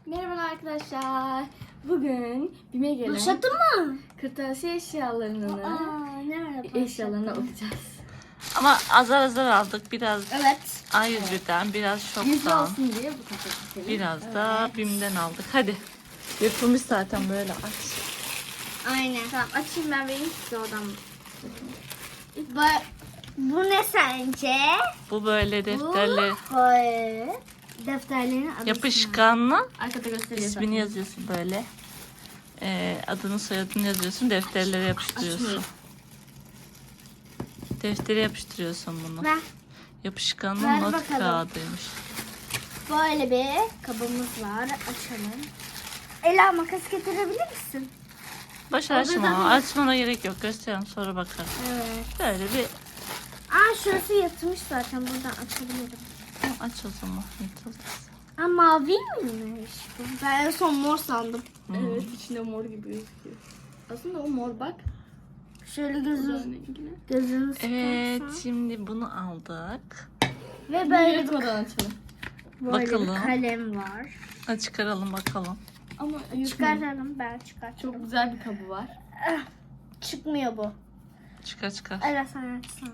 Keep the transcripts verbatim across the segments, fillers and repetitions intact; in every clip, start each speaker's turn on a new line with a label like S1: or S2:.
S1: Merhaba arkadaşlar. Bugün BİM'e gelen
S2: Başladı mı?
S1: kırtasiye eşyalarını
S2: Aa, nerede
S1: eşyalarına
S2: başladı?
S1: bakacağız.
S3: Ama azar azar aldık. Biraz
S2: Evet.
S3: A yüz birden, biraz
S1: Yüzde
S3: şoktan,
S1: olsun diye bu paketi.
S3: biraz da BİM'den aldık. Hadi. Yapılmış zaten böyle aç.
S2: Aynen.
S1: Tamam açayım ben vereyim size oradan.
S2: Bu, bu ne sence?
S3: Bu böyle defterle
S2: Bu böyle defterlerin adı.
S3: yapışkanlı.
S1: Arkada gösteriyor
S3: İsmini
S1: zaten.
S3: yazıyorsun böyle. Ee, adını soyadını yazıyorsun. Defterlere yapıştırıyorsun.
S1: Açmıyor.
S3: Deftere yapıştırıyorsun bunu.
S2: Ver.
S3: Yapışkanlı
S2: Ver
S3: not
S2: bakalım.
S3: kağıdıymış.
S2: Böyle bir kabımız var. Açalım. Ela makas getirebilir misin?
S3: Boş
S2: Orada
S3: açma.
S2: da-
S3: Açmana gerek yok. Göstereyim sonra bakarım.
S2: Evet.
S3: Böyle bir
S2: Aa şurası yatmış zaten. Buradan açabilirim.
S3: aç o zaman. Yeter.
S2: Aa mavi miymiş bu? Ben en son mor sandım.
S1: Evet içinde mor gibi gözüküyor. Aslında o mor bak.
S2: Şöyle
S1: Bu
S2: gözü,
S1: da rengine.
S2: gözünü
S3: Evet,
S2: sıkarsan.
S3: şimdi bunu aldık.
S2: Ve
S1: Böyle
S2: böyle bir,
S1: yırtmadan açalım.
S2: böyle bir
S3: Bakalım.
S2: kalem var.
S3: Hadi çıkaralım bakalım.
S1: Ama yırtmayın.
S2: Çıkartalım, ben çıkartırım.
S1: Çok güzel bir kabı var.
S2: Çıkmıyor bu.
S3: Çıkar çıkar.
S2: Evet sen açsana.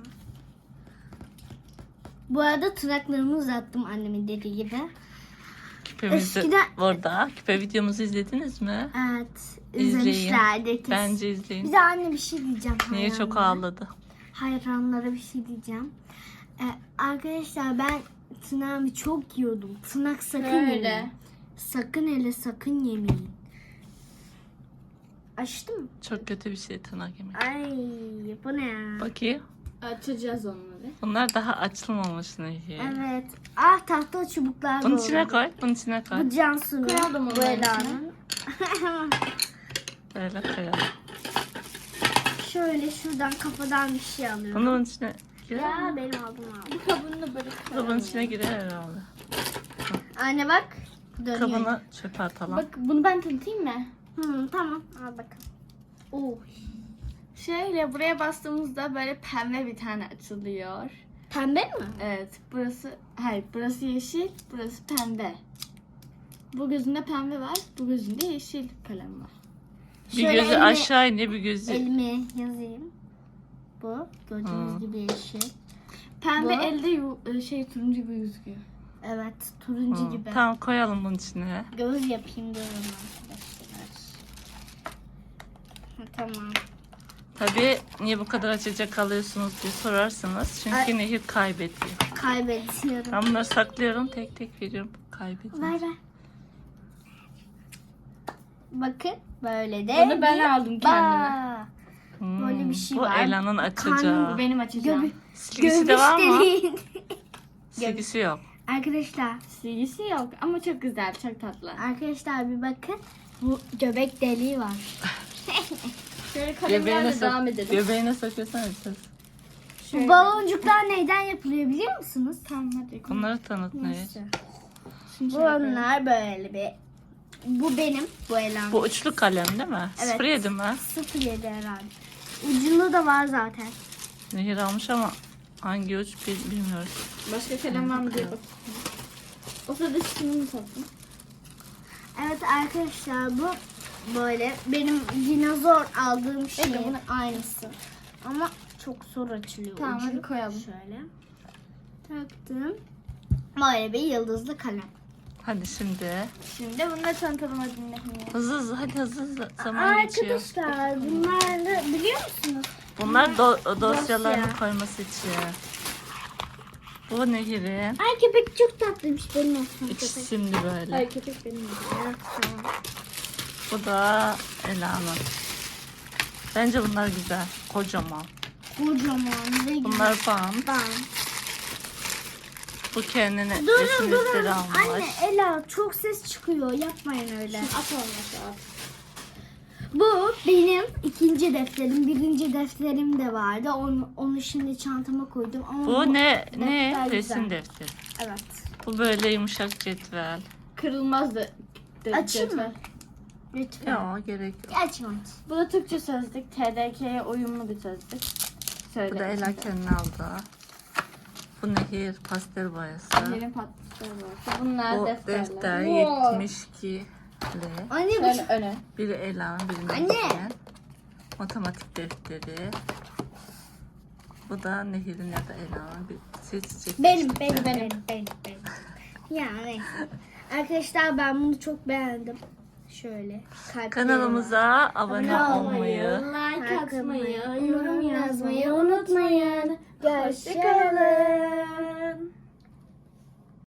S2: Bu arada tırnaklarımı uzattım annemin dediği gibi.
S3: Küpemiz de
S2: Eskiden-
S3: burada. Küpe videomuzu izlediniz mi?
S2: Evet.
S3: İzleyin.
S2: İzlemişlerdir kesin.
S3: Bence izleyin.
S2: Bir de anne bir şey diyeceğim.
S3: Niye çok
S2: hayranlara.
S3: ağladı?
S2: Hayranlara bir şey diyeceğim. Ee, arkadaşlar ben tırnağımı çok yiyordum. Tırnak sakın
S1: Böyle.
S2: yemeyin. Sakın hele sakın yemeyin. Açtım mı?
S3: Çok kötü bir şey tırnak yemek.
S2: Ay bu ne ya?
S3: Bakayım.
S1: Açacağız onları.
S3: Bunlar daha açılmamış Nehir.
S2: Evet. Ah tahta çubuklar
S3: Bunun
S2: da
S3: içine
S2: oldu.
S3: koy. Bunun içine koy.
S2: Bu Cansu'nun.
S1: Koyalım
S2: Bu
S1: onların
S2: Ela'nın.
S3: Böyle koyalım.
S2: Şöyle şuradan kafadan bir şey alıyorum.
S3: Bunu bunun içine girer
S2: Ya
S3: mi?
S2: benim aldım aldım.
S1: Bu kabını da böyle
S3: Bu da bunun içine girer herhalde.
S2: Anne bak. Dönüyor.
S3: Kabını çöpe atalım.
S1: Bak bunu ben tanıtayım mı?
S2: Hı, tamam al bakalım.
S1: Oh. Şöyle buraya bastığımızda böyle pembe bir tane açılıyor.
S2: Pembe mi?
S1: Evet, burası hayır, burası yeşil, burası pembe. Bu gözünde pembe var, bu gözünde yeşil kalem var.
S3: Bir
S2: Şöyle
S3: gözü
S2: elime-
S3: aşağı iniyor, bir gözü.
S2: Elime yazayım. Bu gördüğünüz
S3: Hı.
S2: gibi yeşil.
S1: Pembe
S2: Bu?
S1: elde yu- şey turuncu gibi gözüküyor.
S2: Evet turuncu
S3: Hı,
S2: gibi.
S3: Tamam koyalım bunun içine.
S2: Göz yapayım diyorum arkadaşlar. Ha, tamam.
S3: Tabii niye bu kadar açacak alıyorsunuz diye sorarsanız. Çünkü
S2: Ay.
S3: Nehir kaybediyor.
S2: Kaybediyorum.
S3: Ben bunları saklıyorum, tek tek veriyorum. Kaybediyor.
S2: Ver ver. Bakın böyle de.
S1: Bunu ben
S2: bir
S1: aldım kendime.
S2: bağ.
S3: Hmm,
S2: böyle bir şey
S3: bu
S2: var.
S3: Ela'nın
S2: Karnım
S3: açacağı.
S1: Bu benim açacağım.
S2: Göbü-
S3: Silgisi de var mı?
S2: deliğin.
S3: Silgisi yok.
S2: Arkadaşlar,
S1: Silgisi yok ama çok güzel, çok tatlı.
S2: arkadaşlar bir bakın. Bu göbek deliği var.
S1: Şöyle
S3: Göbeğine,
S1: kalemlerle
S3: sok
S1: devam edelim.
S3: göbeğine sokuyorsan açacağız.
S2: Bu baloncuklar neyden yapılıyor biliyor musunuz?
S1: Tamam hadi.
S3: Bunları tanıt Nehir.
S1: Şimdi şöyle koyalım.
S2: Bunlar böyle bir. Bu benim, bu Ela'nın.
S3: Bu uçlu kalem değil mi?
S2: Evet.
S3: sıfır yedi mi?
S2: sıfır yedi herhalde. Ucunda da var zaten.
S3: Nehir almış ama hangi uç bil- bilmiyoruz.
S1: Başka kalem var mı diye bakayım. O sırada şunu mu taktım?
S2: Evet arkadaşlar bu böyle benim dinozor aldığım şeyin
S1: Evet,
S2: aynısı. Ama çok zor açılıyor.
S1: Tamam,
S2: ucu.
S1: hadi koyalım.
S2: Şöyle. Taktım. Böyle bir yıldızlı kalem.
S3: Hadi şimdi.
S1: Şimdi bunu da tanıtalım hadi Nehir.
S3: Hızlı hızlı hadi hızlı hızlı. Zaman geçiyor.
S2: Arkadaşlar bunları biliyor musunuz?
S3: Bunlar do- dosyalarını
S2: Dosya.
S3: koyması için. Bu Nehir'in.
S2: Ay köpek çok tatlıymış benim olsun köpek.
S3: İkisi şimdi böyle.
S1: Hayır köpek benim.
S2: Evet, tamam.
S3: Bu da Ela'nın. Bence bunlar güzel. Kocaman.
S2: Kocaman ve güzel.
S3: Bunlar bant.
S2: Ben.
S3: Bu kendine
S2: Durun
S3: resim
S2: durun.
S3: defteri almış.
S2: Anne Ela çok ses çıkıyor. Yapmayın öyle.
S1: At olması at.
S2: Bu benim ikinci defterim. Birinci defterim de vardı. Onu, onu şimdi çantama koydum. Ama
S3: Bu ne?
S2: defter
S3: Ne?
S2: güzel.
S3: Resim defteri.
S2: Evet.
S3: Bu böyle yumuşak cetvel.
S1: Kırılmaz da. da
S2: Açayım mı?
S1: cetvel.
S2: Lütfen.
S3: Yok gerek yok.
S2: Açma.
S1: Bu da Türkçe sözlük. T D K'ye uyumlu bir sözlük.
S3: Bu
S1: Söyle.
S3: da Ela kendine aldı. Bu Nehir pastel boyası.
S1: Nehir'in patlıkları var. Bunlar
S3: O
S1: defterler.
S3: defter
S2: Wow.
S3: yetmiş iki li.
S2: Anne bu
S1: Şöyle öne.
S3: Biri Elan, biri
S2: Anne.
S3: Nehir'in. Matematik defteri. Bu da Nehir'in ya da Elan'ın bir seçecek.
S2: benim,
S3: defteri.
S2: benim, benim, benim, benim. Ya neyse. Arkadaşlar ben bunu çok beğendim. Şöyle. kalpleri var.
S3: Kanalımıza abone
S2: Abone
S3: olmayı,
S1: like
S2: Like
S1: atmayı,
S2: atmayı,
S1: yorum yazmayı unutmayın.
S2: Hoşçakalın.